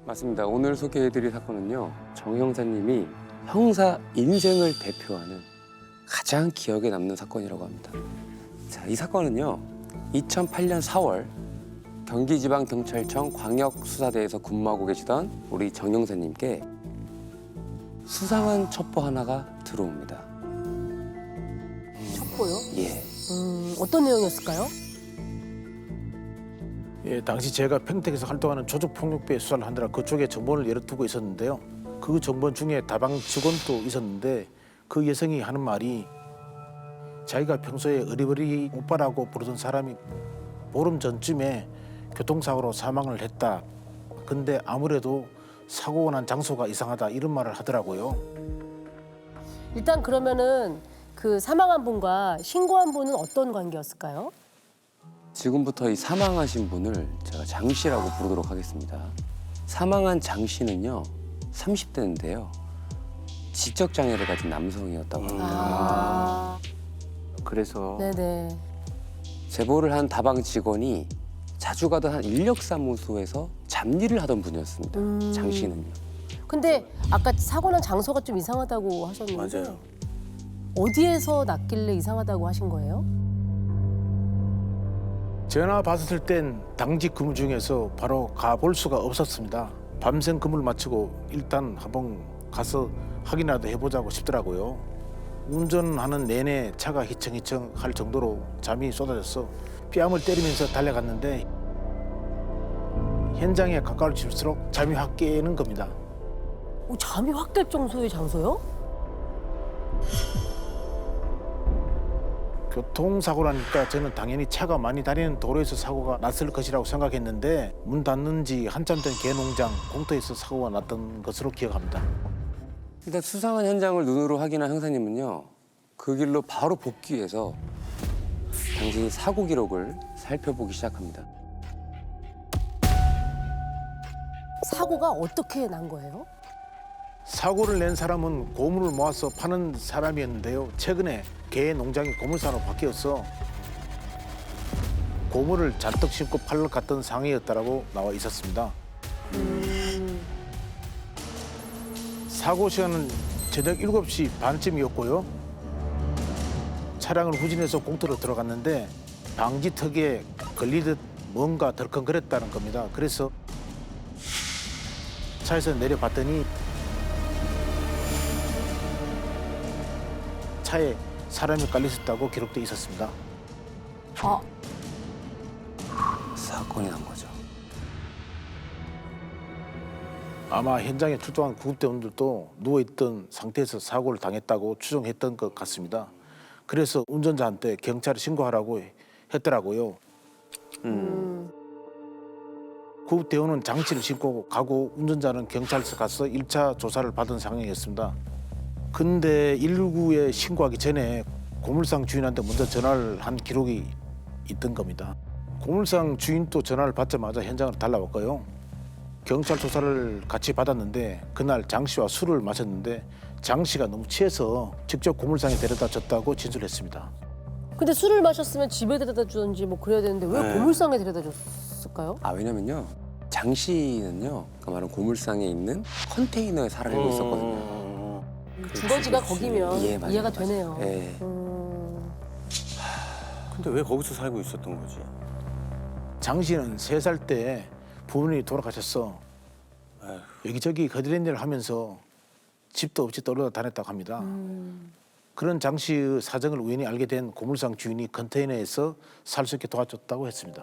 맞습니다. 오늘 소개해드릴 사건은요. 정 형사님이 형사 인생을 대표하는 가장 기억에 남는 사건이라고 합니다. 자, 이 사건은요. 2008년 4월 경기지방경찰청 광역수사대에서 근무하고 계시던 우리 정 형사님께 수상한 첩보 하나가 들어옵니다. 첩보요? 예. 어떤 내용이었을까요? 예, 당시 제가 평택에서 활동하는 조직폭력배 수사를 하느라 그쪽에 정보를 열어두고 있었는데요. 그 정보 중에 다방 직원도 있었는데 그 여성이 하는 말이 자기가 평소에 어리버리 오빠라고 부르던 사람이 보름 전쯤에 교통사고로 사망을 했다. 근데 아무래도 사고가 난 장소가 이상하다 이런 말을 하더라고요. 일단 그러면은 그 사망한 분과 신고한 분은 어떤 관계였을까요? 지금부터 이 사망하신 분을 제가 장 씨라고 부르도록 하겠습니다. 사망한 장 씨는요, 30대인데요. 지적 장애를 가진 남성이었다고 합니다. 그래서 네네. 제보를 한 다방 직원이 자주 가던 한 인력사무소에서 잡일을 하던 분이었습니다. 장 씨는요. 근데 아까 사고 난 장소가 좀 이상하다고 하셨는데 맞아요. 어디에서 났길래 이상하다고 하신 거예요? 전화 받았을 땐 당직 근무 중에서 바로 가볼 수가 없었습니다. 밤샘 근무를 마치고 일단 한번 가서 확인이라도 해보자고 싶더라고요. 운전하는 내내 차가 휘청휘청 할 정도로 잠이 쏟아져서 뺨을 때리면서 달려갔는데 현장에 가까워질수록 잠이 확 깨는 겁니다. 잠이 확 깰 정도의 장소요? 교통사고라니까 저는 당연히 차가 많이 다니는 도로에서 사고가 났을 것이라고 생각했는데 문 닫는 지 한참 된 개농장 공터에서 사고가 났던 것으로 기억합니다. 일단 수상한 현장을 눈으로 확인한 형사님은요. 그 길로 바로 복귀해서 당시 사고 기록을 살펴보기 시작합니다. 사고가 어떻게 난 거예요? 사고를 낸 사람은 고물을 모아서 파는 사람이었는데요. 최근에 개 농장이 고물사로 바뀌어서 고물을 잔뜩 심고 팔러 갔던 상황이었다고 나와 있었습니다. 사고 시간은 저녁 7시 반쯤이었고요. 차량을 후진해서 공터로 들어갔는데 방지턱에 걸리듯 뭔가 덜컹거렸다는 겁니다. 그래서 차에서 내려봤더니 차에 사람이 깔려 있었다고 기록돼 있었습니다. 아, 사건이 난 거죠. 아마 현장에 출동한 구급대원들도 누워있던 상태에서 사고를 당했다고 추정했던 것 같습니다. 그래서 운전자한테 경찰에 신고하라고 했더라고요. 구급대원은 장치를 싣고 가고 운전자는 경찰서 가서 1차 조사를 받은 상황이었습니다. 근데 119에 신고하기 전에 고물상 주인한테 먼저 전화를 한 기록이 있던 겁니다. 고물상 주인도 전화를 받자마자 현장으로 달려왔고요. 경찰 조사를 같이 받았는데 그날 장 씨와 술을 마셨는데 장 씨가 너무 취해서 직접 고물상에 데려다 줬다고 진술했습니다. 근데 술을 마셨으면 집에 데려다 주던지 뭐 그래야 되는데 왜 네. 고물상에 데려다 줬을까요? 왜냐면요. 장 씨는요. 그 말은 고물상에 있는 컨테이너에 살고 있었거든요. 주거지가 거기면 예, 맞아요, 이해가 맞아요. 되네요. 예. 근데 왜 거기서 살고 있었던 거지? 장 씨는 3살 때 부모님이 돌아가셔서 아휴. 여기저기 거지랜일을 하면서 집도 없이 떨어져 다녔다고 합니다. 그런 장 씨의 사정을 우연히 알게 된 고물상 주인이 컨테이너에서 살 수 있게 도와줬다고 했습니다.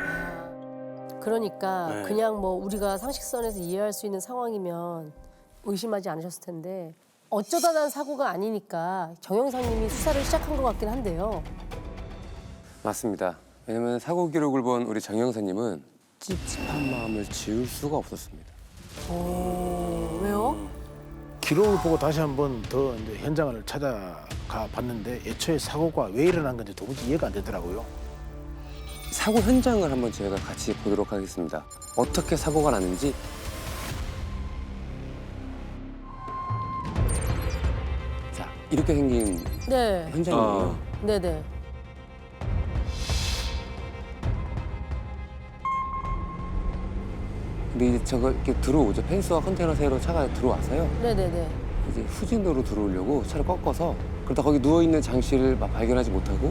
그러니까 네. 그냥 뭐 우리가 상식선에서 이해할 수 있는 상황이면 의심하지 않으셨을 텐데 어쩌다 난 사고가 아니니까 정 형사님이 수사를 시작한 것 같긴 한데요. 맞습니다. 왜냐면 사고 기록을 본 우리 정 형사님은 찝찝한 마음을 지울 수가 없었습니다. 왜요? 기록을 보고 다시 한번 더 이제 현장을 찾아가 봤는데 애초에 사고가 왜 일어난 건지 도무지 이해가 안 되더라고요. 사고 현장을 한번 저희가 같이 보도록 하겠습니다. 어떻게 사고가 났는지. 자, 이렇게 생긴 네. 현장이에요. 네네. 근데 이제 저거 이렇게 들어오죠. 펜스와 컨테이너 사이로 차가 들어와서요. 네네네. 이제 후진으로 들어오려고 차를 꺾어서 그러다 거기 누워 있는 장 씨를 막 발견하지 못하고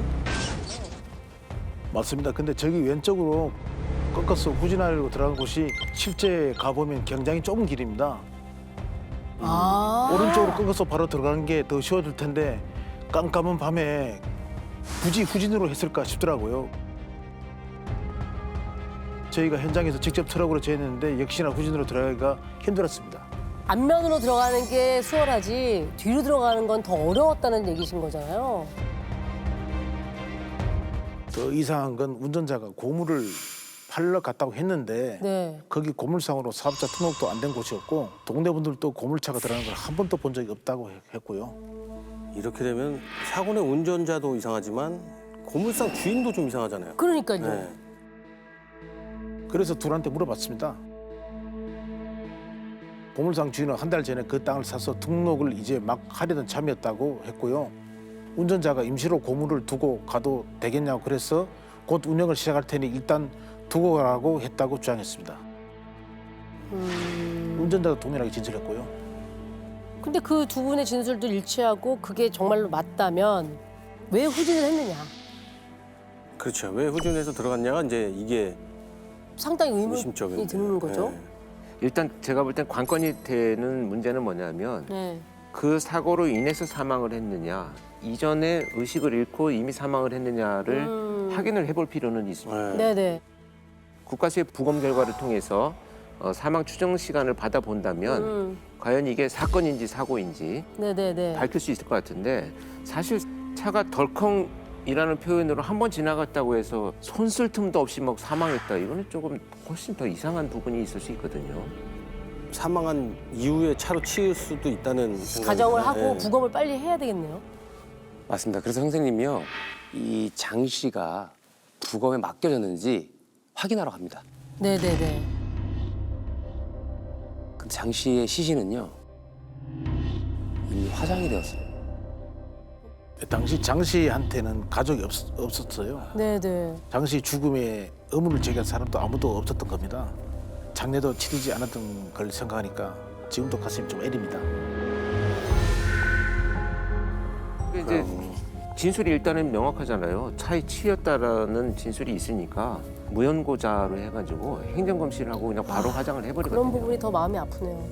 맞습니다. 근데 저기 왼쪽으로 꺾어서 후진하려고 들어간 곳이 실제 가보면 굉장히 좁은 길입니다. 아. 오른쪽으로 꺾어서 바로 들어가는 게 더 쉬워질 텐데 깜깜한 밤에 굳이 후진으로 했을까 싶더라고요. 저희가 현장에서 직접 트럭으로 재했는데 역시나 후진으로 들어가기가 힘들었습니다. 앞면으로 들어가는 게 수월하지 뒤로 들어가는 건 더 어려웠다는 얘기신 거잖아요. 더 이상한 건 운전자가 고무를 팔러 갔다고 했는데 네. 거기 고물상으로 사업자 등록도 안 된 곳이었고 동네 분들도 고물차가 들어가는 걸 한 번도 본 적이 없다고 했고요. 이렇게 되면 사고 낸 운전자도 이상하지만 고물상 주인도 좀 이상하잖아요. 그러니까요. 네. 그래서 둘한테 물어봤습니다. 고물상 주인은 한 달 전에 그 땅을 사서 등록을 이제 막 하려던 참이었다고 했고요. 운전자가 임시로 고물을 두고 가도 되겠냐고 그래서 곧 운영을 시작할 테니 일단 두고 가라고 했다고 주장했습니다. 운전자도 동일하게 진술했고요. 근데 그 두 분의 진술도 일치하고 그게 정말로 맞다면 왜 후진을 했느냐. 그렇죠. 왜 후진해서 들어갔냐가 이제 이게 상당히 의문이 의심적인데. 드는 거죠. 네. 일단 제가 볼 땐 관건이 되는 문제는 뭐냐면 네. 그 사고로 인해서 사망을 했느냐, 이전에 의식을 잃고 이미 사망을 했느냐를 확인을 해볼 필요는 있습니다. 네. 네네. 국가수의 부검 결과를 통해서 사망 추정 시간을 받아본다면 과연 이게 사건인지 사고인지 네네네. 밝힐 수 있을 것 같은데 사실 차가 덜컹이라는 표현으로 한 번 지나갔다고 해서 손 쓸 틈도 없이 막 사망했다. 이거는 조금 훨씬 더 이상한 부분이 있을 수 있거든요. 사망한 이후에 차로 치일 수도 있다는 생각이 가정을 듭니다. 하고 네. 부검을 빨리 해야 되겠네요. 맞습니다. 그래서 선생님이요. 이 장 씨가 부검에 맡겨졌는지 확인하러 갑니다. 네네네. 근데 장 씨의 시신은요. 이미 화장이 되었어요. 당시 장 씨한테는 가족이 없었어요. 네네. 장 씨 죽음에 의문을 제기한 사람도 아무도 없었던 겁니다. 장례도 치르지 않았던 걸 생각하니까 지금도 가슴이 좀 애립니다. 근데 이제 진술이 일단은 명확하잖아요. 차에 치였다라는 진술이 있으니까 무연고자로 해가지고 행정검시를 하고 그냥 바로 화장을 그런 해버리거든요. 부분이 더 마음이 아프네요.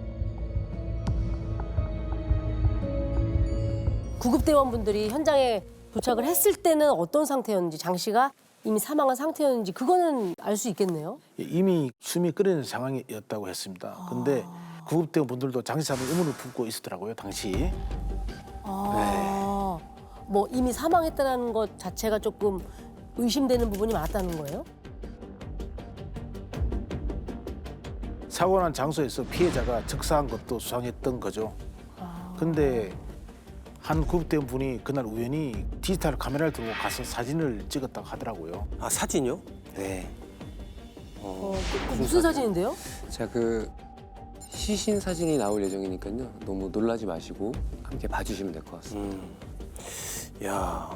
구급대원분들이 현장에 도착을 했을 때는 어떤 상태였는지, 장 씨가 이미 사망한 상태였는지 그거는 알 수 있겠네요. 이미 숨이 끓이는 상황이었다고 했습니다. 근데 구급대원 분들도 장 씨 사망 의문을 품고 있었더라고요, 당시. 아, 뭐 이미 사망했다는 것 자체가 조금 의심되는 부분이 많았다는 거예요? 사고 난 장소에서 피해자가 즉사한 것도 수상했던 거죠. 근데 한 구급대원 분이 그날 우연히 디지털 카메라를 들고 가서 사진을 찍었다고 하더라고요. 아 사진요? 네. 그 무슨 사진인데요? 자, 그 시신 사진이 나올 예정이니까요. 너무 놀라지 마시고 함께 봐주시면 될 것 같습니다. 야.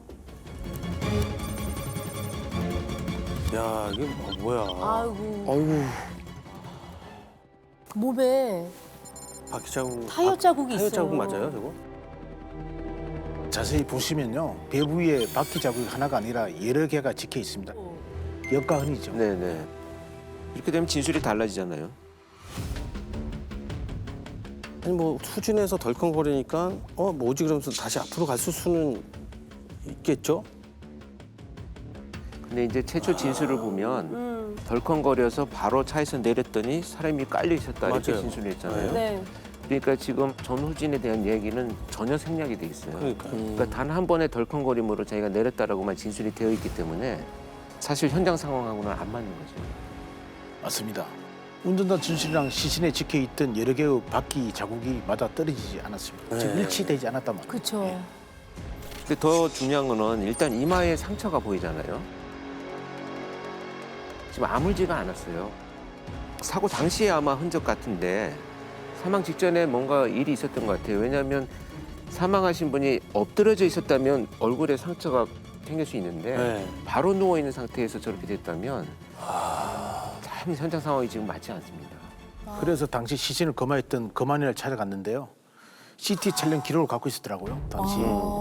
야 이게 뭐야? 아이고, 아이고. 그 몸에 바퀴 자국. 타이어 자국이 타이어 있어요. 자국 맞아요, 저거? 자세히 보시면요, 배부 위에 바퀴 자국이 하나가 아니라 여러 개가 찍혀 있습니다. 역가흔이죠. 네네. 이렇게 되면 진술이 달라지잖아요. 아니 뭐 후진해서 덜컹거리니까 뭐지 그러면서 다시 앞으로 갔을 수는 있겠죠? 근데 이제 최초 진술을 보면 덜컹거려서 바로 차에서 내렸더니 사람이 깔려 있었다 이렇게 맞아요. 진술을 했잖아요. 네. 그러니까 지금 전후진에 대한 얘기는 전혀 생략이 돼 있어요. 그러니까요. 그러니까 단 한 번의 덜컹거림으로 자기가 내렸다라고만 진술이 되어 있기 때문에 사실 현장 상황하고는 안 맞는 거죠. 맞습니다. 운전자 진술이랑 시신에 찍혀 있던 여러 개의 바퀴 자국이 맞아 떨어지지 않았습니다. 즉 네. 일치되지 않았단 말이에요. 그렇죠. 근데 더 중요한 거는 일단 이마에 상처가 보이잖아요. 지금 아물지가 않았어요. 사고 당시에 아마 흔적 같은데 사망 직전에 뭔가 일이 있었던 것 같아요. 왜냐하면 사망하신 분이 엎드려져 있었다면 얼굴에 상처가 생길 수 있는데 네. 바로 누워 있는 상태에서 저렇게 됐다면 참 현장 상황이 지금 맞지 않습니다. 그래서 당시 시신을 검화했던 검안이를 찾아갔는데요. CT 촬영 기록을 갖고 있었더라고요. 당시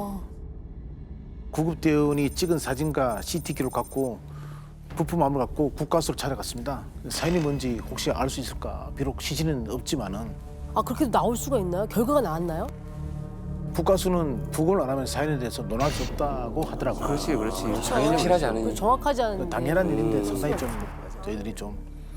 구급대원이 찍은 사진과 CT 기록 갖고 부품 암을 갖고 국가수를 찾아갔습니다. 사인이 뭔지 혹시 알 수 있을까? 비록 시신은 없지만은 아 그렇게도 나올 수가 있나요? 결과가 나왔나요? 국가수는 부검을 안 하면 사인에 대해서 논할 수 없다고 하더라고요. 그렇지. 당연히 확실하지 않으니 정확하지 않은데. 당연한 일인데 상당히 좀 저희들이 좀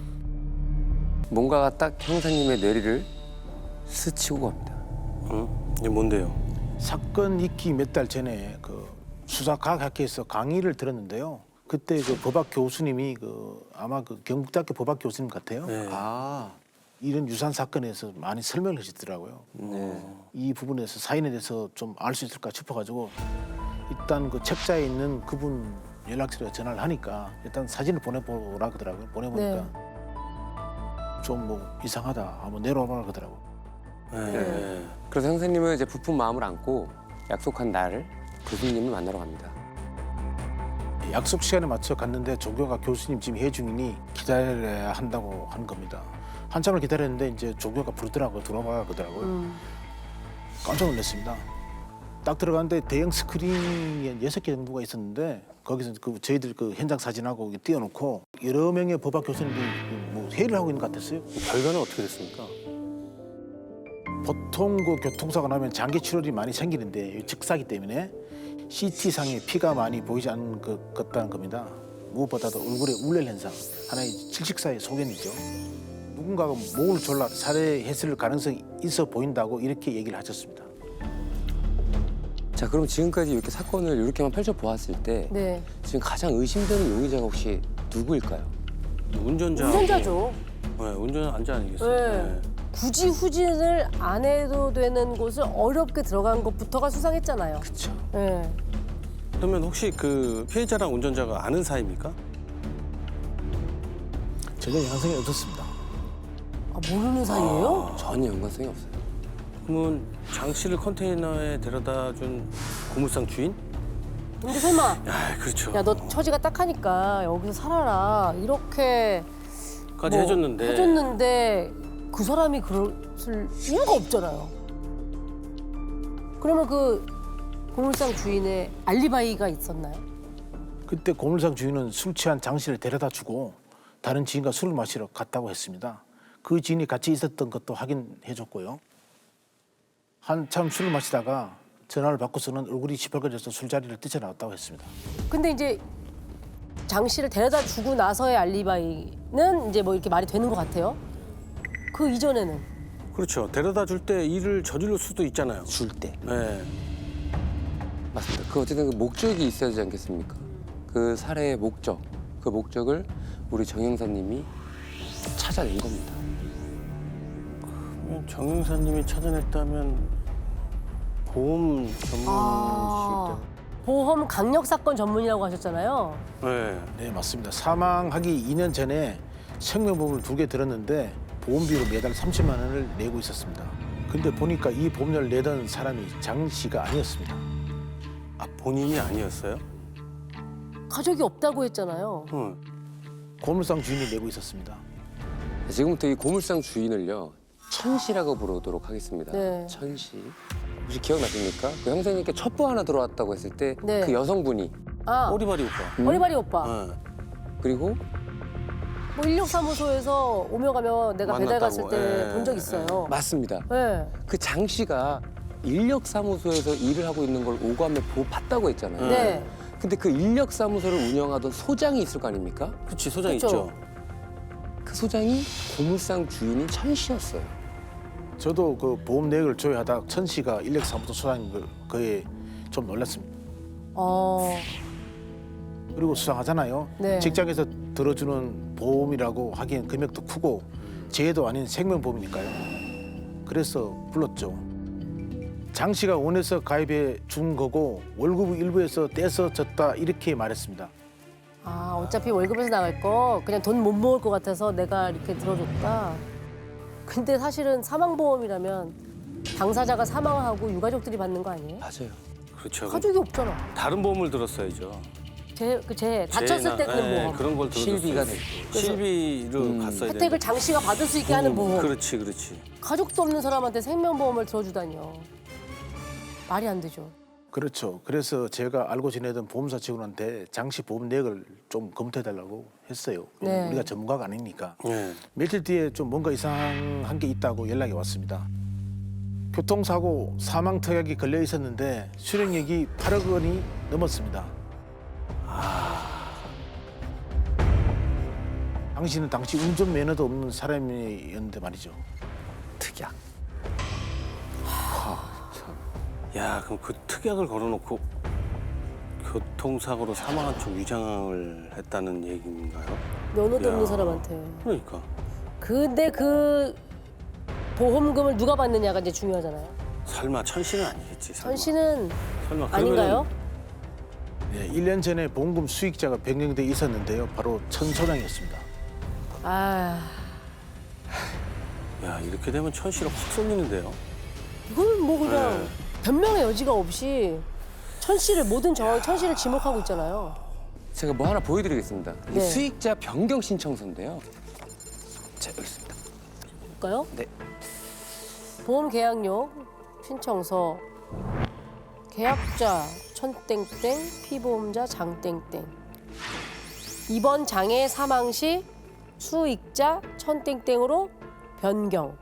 뭔가가 딱 형사님의 뇌리를 스치고 갑니다. 이게 뭔데요? 사건 있기 몇 달 전에 그 수사과학학회에서 강의를 들었는데요. 그때 그 법학 교수님이 아마 그 경북대학교 법학 교수님 같아요. 네. 이런 유산 사건에서 많이 설명을 하시더라고요. 이 부분에서 사인에 대해서 좀 알 수 있을까 싶어가지고 일단 그 책자에 있는 그분 연락처에 전화를 하니까 일단 사진을 보내보라 그러더라고요. 보내보니까 좀 뭐 이상하다 한번 내려오라 그러더라고요. 네. 그래서 형사님은 이제 부푼 마음을 안고 약속한 날 교수님을 만나러 갑니다. 약속 시간에 맞춰 갔는데 조교가 교수님 지금 회 중이니 기다려야 한다고 한 겁니다. 한참을 기다렸는데 이제 조교가 부르더라고요. 들어와 그러더라고요. 깜짝 놀랐습니다. 딱 들어갔는데 대형 스크린이 6개 정도가 있었는데 거기서 그 저희들 그 현장 사진하고 띄워놓고 여러 명의 법학 교수님들이 뭐 회의를 하고 있는 것 같았어요. 결과는 어떻게 됐습니까? 보통 그 교통사고 나면 장기 출혈이 많이 생기는데 즉사기 때문에 CT상에 피가 많이 보이지 않는 것 같다는 겁니다. 무엇보다도 얼굴에 울렐 현상, 하나의 질식사의 소견이죠. 누군가가 목을 졸라 살해했을 가능성이 있어 보인다고 이렇게 얘기를 하셨습니다. 자, 그럼 지금까지 이렇게 사건을 이렇게만 펼쳐보았을 때 네. 지금 가장 의심되는 용의자가 혹시 누구일까요? 운전자죠. 네, 운전자 아니겠어요? 네. 굳이 후진을 안 해도 되는 곳을 어렵게 들어간 것부터가 수상했잖아요. 그렇죠. 네. 그러면 혹시 그 피해자랑 운전자가 아는 사이입니까? 전혀 연관성이 없었습니다. 아, 모르는 사이예요? 전혀 연관성이 없어요. 그러면 장 씨를 컨테이너에 데려다 준 고물상 주인? 근데 설마 아, 그렇죠. 야 너 처지가 딱하니까 여기서 살아라 이렇게 까지 뭐 해줬는데 그 사람이 그럴 이유가 없잖아요. 그러면 그 고물상 주인의 알리바이가 있었나요? 그때 고물상 주인은 술 취한 장 씨를 데려다 주고 다른 지인과 술을 마시러 갔다고 했습니다. 그 지인이 같이 있었던 것도 확인해 줬고요. 한참 술을 마시다가 전화를 받고서는 얼굴이 시뻘거져서 술자리를 뛰쳐나왔다고 했습니다. 근데 이제 장 씨를 데려다 주고 나서의 알리바이는 이제 뭐 이렇게 말이 되는 것 같아요. 그 이전에는 그렇죠. 데려다 줄 때 일을 저질 수도 있잖아요. 줄 때. 네. 맞습니다. 그 어쨌든 그 목적이 있어야 되지 않겠습니까? 그 살해의 목적, 그 목적을 우리 정 형사님이 찾아낸 겁니다. 정 형사님이 찾아냈다면 보험 전문이시기 보험 강력 사건 전문이라고 하셨잖아요. 때문에. 네, 맞습니다. 사망하기 2년 전에 생명보험을 2개 들었는데 보험비로 매달 30만 원을 내고 있었습니다. 근데 보니까 이 보험료를 내던 사람이 장 씨가 아니었습니다. 아, 본인이 아니었어요? 가족이 없다고 했잖아요. 응. 고물상 주인이 내고 있었습니다. 지금부터 이 고물상 주인을요, 천씨라고 부르도록 하겠습니다. 네. 천씨. 혹시 기억나십니까? 그 형사님께 첩보 하나 들어왔다고 했을 때 그 네. 여성분이 아 꼬리발이 오빠. 어리바리 오빠. 네. 그리고 뭐 인력사무소에서 오며 가며 내가 배달 갔을 만났다고. 때 예, 본 적 있어요. 맞습니다. 네. 그 장 씨가 인력사무소에서 일을 하고 있는 걸 오감에 봤다고 했잖아요. 네. 근데 그 인력사무소를 운영하던 소장이 있을 거 아닙니까? 그렇지, 소장 그쵸. 있죠. 그 소장이 고물상 주인인 천 씨였어요. 저도 그 보험 내역을 조회하다 천 씨가 인력사무소 소장인 걸 그에 좀 놀랐습니다. 그리고 수상하잖아요. 네. 직장에서 들어주는 보험이라고 하기엔 금액도 크고 재해도 아닌 생명보험이니까요. 그래서 불렀죠. 장 씨가 원해서 가입해 준 거고 월급 일부에서 떼서 줬다 이렇게 말했습니다. 아 어차피 월급에서 나갈 거 그냥 돈 못 모을 것 같아서 내가 이렇게 들어줬다. 근데 사실은 사망보험이라면 당사자가 사망하고 유가족들이 받는 거 아니에요? 맞아요. 그렇죠. 가족이 없잖아. 다른 보험을 들었어야죠. 제 다쳤을 때 그 보험. 그런 걸 들어줬어요. 실비가 됐고. 실비로 갔어야 혜택을 장 씨가 받을 수 있게 하는 보험. 그렇지, 그렇지. 가족도 없는 사람한테 생명보험을 들어주다니요. 말이 안 되죠. 그렇죠. 그래서 제가 알고 지내던 보험사 직원한테 장씨 보험 내역을 좀 검토해달라고 했어요. 네. 우리가 전문가가 아니니까. 네. 며칠 뒤에 좀 뭔가 이상한 게 있다고 연락이 왔습니다. 교통사고 사망 특약이 걸려 있었는데 수령액이 8억 원이 넘었습니다. 당신은 당시 운전 면허도 없는 사람이었는데 말이죠. 특약. 야, 그럼 그 특약을 걸어놓고 교통사고로 사망한 쪽 위장을 했다는 얘기인가요? 면허도 야. 없는 사람한테. 그러니까. 근데 그 보험금을 누가 받느냐가 이제 중요하잖아요. 설마 천 씨는 아니겠지. 설마. 천 씨는 설마 아닌가요? 네, 1년 전에 보험금 수익자가 변경돼 있었는데요. 바로 천소장이었습니다. 아, 야, 이렇게 되면 천 씨를 확 쏠리는데요. 이거는 뭐 그냥 네. 변명의 여지가 없이 천 씨를 모든 정황이 천 씨를 지목하고 있잖아요. 제가 뭐 하나 보여드리겠습니다. 이게 네. 수익자 변경 신청서인데요. 자, 여기 있습니다. 볼까요? 네. 보험 계약료 신청서 계약자 천땡땡 피보험자 장땡땡 이번 장애 사망 시 수익자 천땡땡으로 변경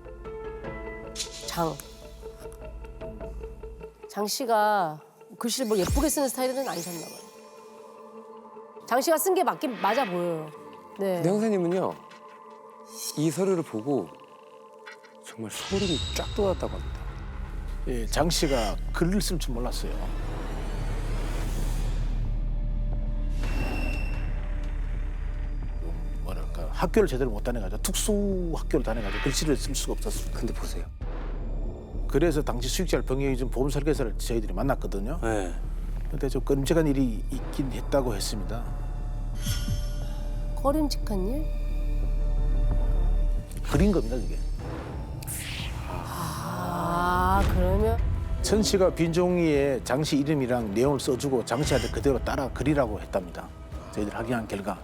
장 씨가 글씨를 뭐 예쁘게 쓰는 스타일은 아니셨나 봐요. 장 씨가 쓴 게 맞긴 맞아 보여요. 네. 네, 형사님은요. 이 서류를 보고 정말 소름이 쫙 돋았다고 합니다. 예, 장 씨가 글을 쓸 줄 몰랐어요. 뭐랄까 학교를 제대로 못 다녀가지고 특수 학교를 다녀가지고 글씨를 쓸 수가 없었습니다. 근데 보세요. 그래서 당시 수익자를 변경해준 보험 설계사를 저희들이 만났거든요. 네. 근데 좀 끔찍한 일이 있긴 했다고 했습니다. 꺼림직한 일? 그린 겁니다, 그게. 아 그러면 천 씨가 빈 종이에 장 씨 이름이랑 내용을 써주고 장 씨한테 그대로 따라 그리라고 했답니다. 저희들 확인한 결과.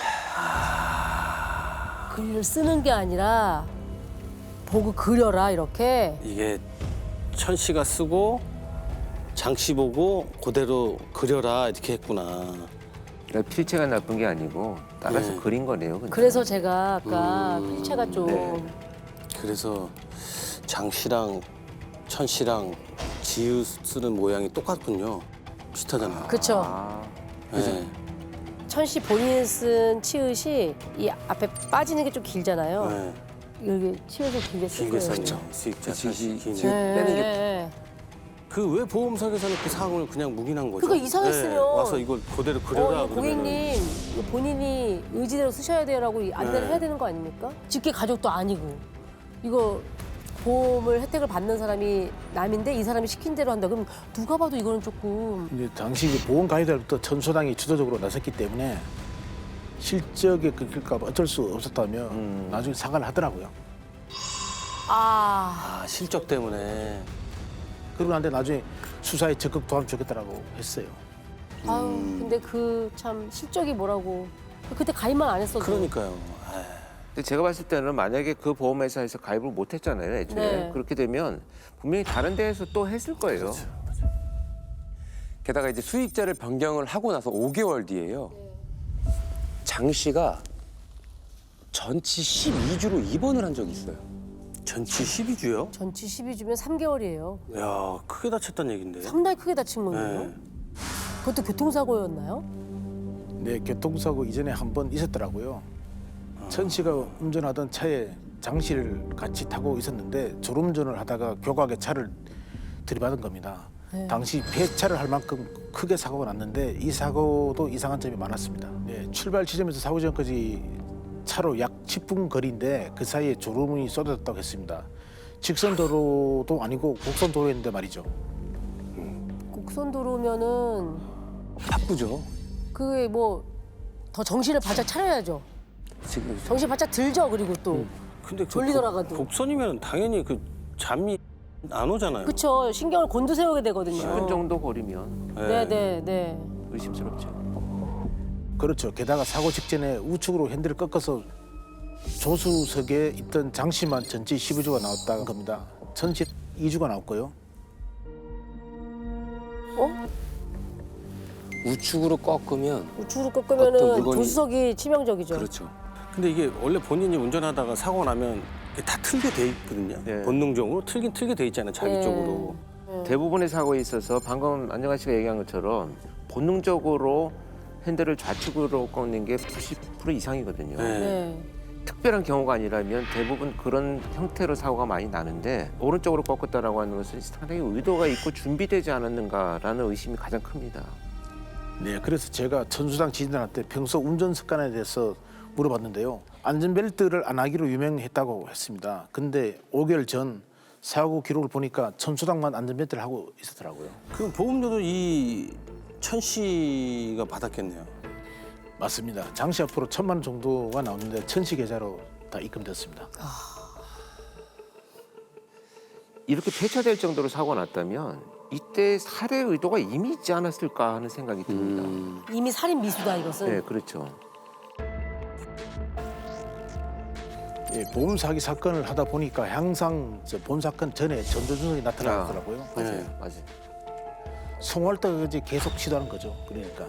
글을 쓰는 게 아니라 보고 그려라 이렇게. 이게 천 씨가 쓰고 장 씨 보고 그대로 그려라 이렇게 했구나. 그러니까 필체가 나쁜 게 아니고 따라서 네. 그린 거네요. 그냥. 그래서 제가 아까 필체가 좀 네. 그래서 장 씨랑 천 씨랑 지읒 쓰는 모양이 똑같군요. 비슷하잖아요. 그쵸. 아, 네. 천 씨 본인 쓴 치읓이 이 앞에 빠지는 게 좀 길잖아요. 네. 여기 치읓을 길게 쓸 길게 거예요. 썼죠. 수익자 그치, 기 그치. 네. 빼는 게 네. 그왜 보험 설계사는 그 사항을 그냥 묵인한 거죠? 그러니까 이상했으면 와서 이걸 그대로 그려라 이거 그러면은. 고객님 이거 본인이 의지대로 쓰셔야 돼요라고 안내를 네. 해야 되는 거 아닙니까? 직계 가족도 아니고 이거 보험을 혜택을 받는 사람이 남인데 이 사람이 시킨 대로 한다. 그럼 누가 봐도 이거는 조금 이제 당시 그 보험 가이드부터 천소장이 주도적으로 나섰기 때문에 실적에 끊길까 봐 어쩔 수 없었다며 나중에 사과를 하더라고요. 아 아 실적 때문에. 그러고 난데 나중에 수사에 적극 도움 주겠다라고 했어요. 아유 근데 그 참 실적이 뭐라고 그때 가입만 안 했어도 그러니까요. 아, 근데 제가 봤을 때는 만약에 그 보험회사에서 가입을 못 했잖아요, 애초에. 네. 그렇게 되면 분명히 다른 데에서 또 했을 거예요. 그렇죠. 게다가 이제 수익자를 변경을 하고 나서 5개월 뒤에요. 장 씨가 전치 12주로 입원을 한 적이 있어요. 전치 12주요? 전치 12주면 3개월이에요. 야 크게 다쳤다는 얘긴데. 상당히 크게 다친 거예요. 네. 그것도 교통사고였나요? 네, 교통사고 이전에 한 번 있었더라고요. 천 씨가 운전하던 차에 장 씨를 같이 타고 있었는데 졸음운전을 하다가 교각에 차를 들이받은 겁니다. 네. 당시 폐차를 할 만큼 크게 사고가 났는데 이 사고도 이상한 점이 많았습니다. 네, 출발 지점에서 사고 지점까지 차로 약 10분 거리인데 그 사이에 졸음이 쏟아졌다고 했습니다. 직선 도로도 아니고 곡선 도로였는데 말이죠. 곡선 도로면은 바쁘죠. 그게 뭐 더 정신을 바짝 차려야죠. 지금 정신 바짝 들죠. 그리고 또 근데 그 졸리더라도. 곡선이면 당연히 그 잠이 안 오잖아요. 그쵸. 신경을 곤두세우게 되거든요. 10분 정도 거리면 네네네. 의심스럽죠. 그렇죠. 게다가 사고 직전에 우측으로 핸들을 꺾어서 조수석에 있던 장 씨만 전치 12주가 나왔다는 겁니다. 천 씨 2주가 나왔고요. 우측으로 꺾으면 우측으로 어떤 꺾으면은 물건이- 조수석이 치명적이죠. 그렇죠. 근데 이게 원래 본인이 운전하다가 사고 나면 이게 다 틀게 돼 있거든요. 네. 본능적으로 틀게 돼 있잖아요. 자기 네. 쪽으로. 대부분의 사고에 있어서 방금 안정환 씨가 얘기한 것처럼 본능적으로 핸들을 좌측으로 꺾는 게 90% 이상이거든요. 네. 네. 특별한 경우가 아니라면 대부분 그런 형태로 사고가 많이 나는데 오른쪽으로 꺾었다라고 하는 것은 상당히 의도가 있고 준비되지 않았는가라는 의심이 가장 큽니다. 네, 그래서 제가 천수장 지진단한테 평소 운전 습관에 대해서 물어봤는데요. 안전벨트를 안 하기로 유명했다고 했습니다. 근데 5개월 전 사고 기록을 보니까 천수장만 안전벨트를 하고 있었더라고요. 그럼 보험료도 이 천 씨가 받았겠네요. 맞습니다. 장씨 앞으로 1,000만 원 정도가 나오는데 천씨 계좌로 다 입금됐습니다. 이렇게 폐차될 정도로 사고가 났다면 이때 살해 의도가 이미 있지 않았을까 하는 생각이 듭니다. 이미 살인 미수다 이것은. 네, 그렇죠. 예, 보험 사기 사건을 하다 보니까 항상 본 사건 전에 전조증이 나타나더라고요. 맞아요, 네. 맞아요. 송할 때까지 계속 시도하는 거죠. 그러니까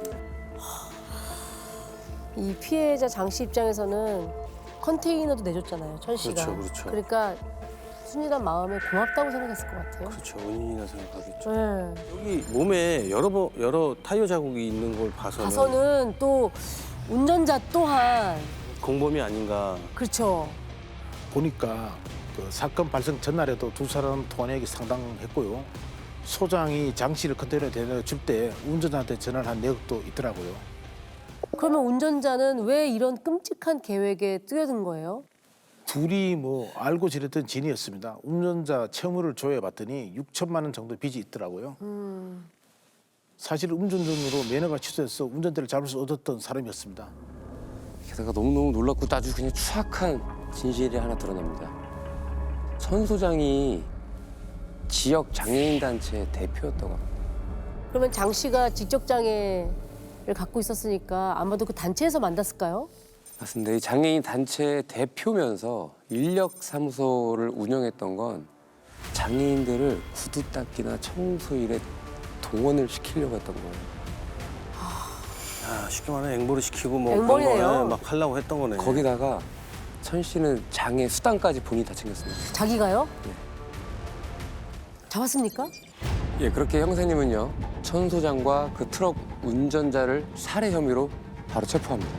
이 피해자 장 씨 입장에서는 컨테이너도 내줬잖아요, 천 씨가. 그렇죠, 그렇죠. 그러니까 순진한 마음에 고맙다고 생각했을 것 같아요. 그렇죠. 은인이라 생각하겠죠. 네. 여기 몸에 여러 타이어 자국이 있는 걸 봐서는 가서는 또 운전자 또한 공범이 아닌가. 그렇죠. 보니까 그 사건 발생 전날에도 두 사람 통화내역이 상당했고요. 소장이 장 씨를 컨테이너에 데려줄 때 운전자한테 전화를 한 내역도 있더라고요. 그러면 운전자는 왜 이런 끔찍한 계획에 뛰어든 거예요? 둘이 뭐 알고 지냈던 진이었습니다. 운전자 채무를 조회해봤더니 6천만 원 정도 빚이 있더라고요. 사실 음주운전으로 면허가 취소해서 운전대를 잡을 수 얻었던 사람이었습니다. 게다가 너무너무 놀랍고 또 아주 그냥 추악한 진실이 하나 드러납니다. 천 소장이 지역 장애인 단체 대표였다고 합니다. 그러면 장 씨가 지적 장애를 갖고 있었으니까 아마도 그 단체에서 만났을까요? 맞습니다. 이 장애인 단체 대표면서 인력사무소를 운영했던 건 장애인들을 구두 닦기나 청소 일에 동원을 시키려고 했던 거예요. 아, 쉽게 말하면 앵벌을 시키고 뭐 앵벌이네요. 그런 거 막 하려고 했던 거네. 거기다가 천 씨는 장애 수당까지 본인이 다 챙겼습니다. 자기가요? 네. 잡았습니까? 예, 그렇게 형사님은요 천 소장과 그 트럭 운전자를 살해 혐의로 바로 체포합니다.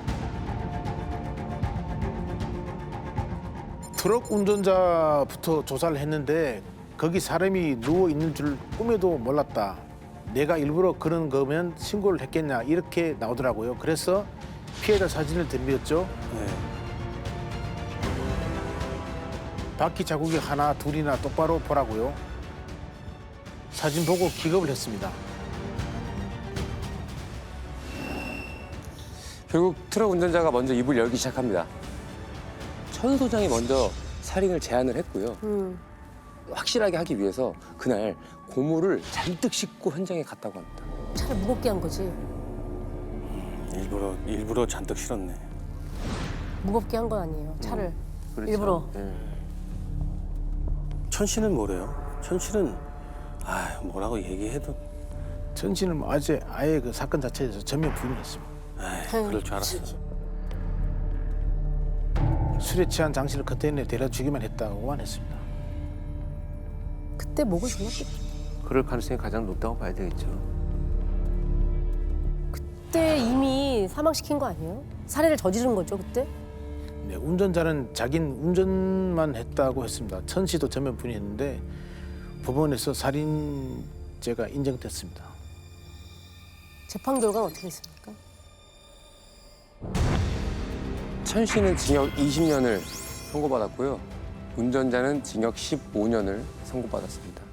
트럭 운전자부터 조사를 했는데 거기 사람이 누워 있는 줄 꿈에도 몰랐다. 내가 일부러 그런 거면 신고를 했겠냐 이렇게 나오더라고요. 그래서 피해자 사진을 들이었죠. 네. 바퀴 자국이 하나 둘이나 똑바로 보라고요. 사진 보고 기겁을 했습니다. 결국 트럭 운전자가 먼저 입을 열기 시작합니다. 천 소장이 먼저 살인을 제안을 했고요. 확실하게 하기 위해서 그날 고무를 잔뜩 싣고 현장에 갔다고 합니다. 차를 무겁게 한 거지. 일부러 잔뜩 실었네. 무겁게 한 건 아니에요. 차를 그렇죠. 일부러. 네. 천 씨는 뭐래요? 천 씨는 뭐라고 얘기해도 천 씨는 뭐 아예 그 사건 자체에 대해서 전면 부인했습니다. 그럴 줄 알았어. 술에 취한 장 씨를 컨테이너에 데려주기만 했다고만 했습니다. 그때 목을 졸랐겠죠. 그럴 가능성이 가장 높다고 봐야 되겠죠. 그때 이미 사망시킨 거 아니에요? 살해를 저지른 거죠 그때? 네, 운전자는 자긴 운전만 했다고 했습니다. 천 씨도 전면 부인했는데 법원에서 살인죄가 인정됐습니다. 재판 결과는 어떻게 됐습니까? 천 씨는 징역 20년을 선고받았고요. 운전자는 징역 15년을 선고받았습니다.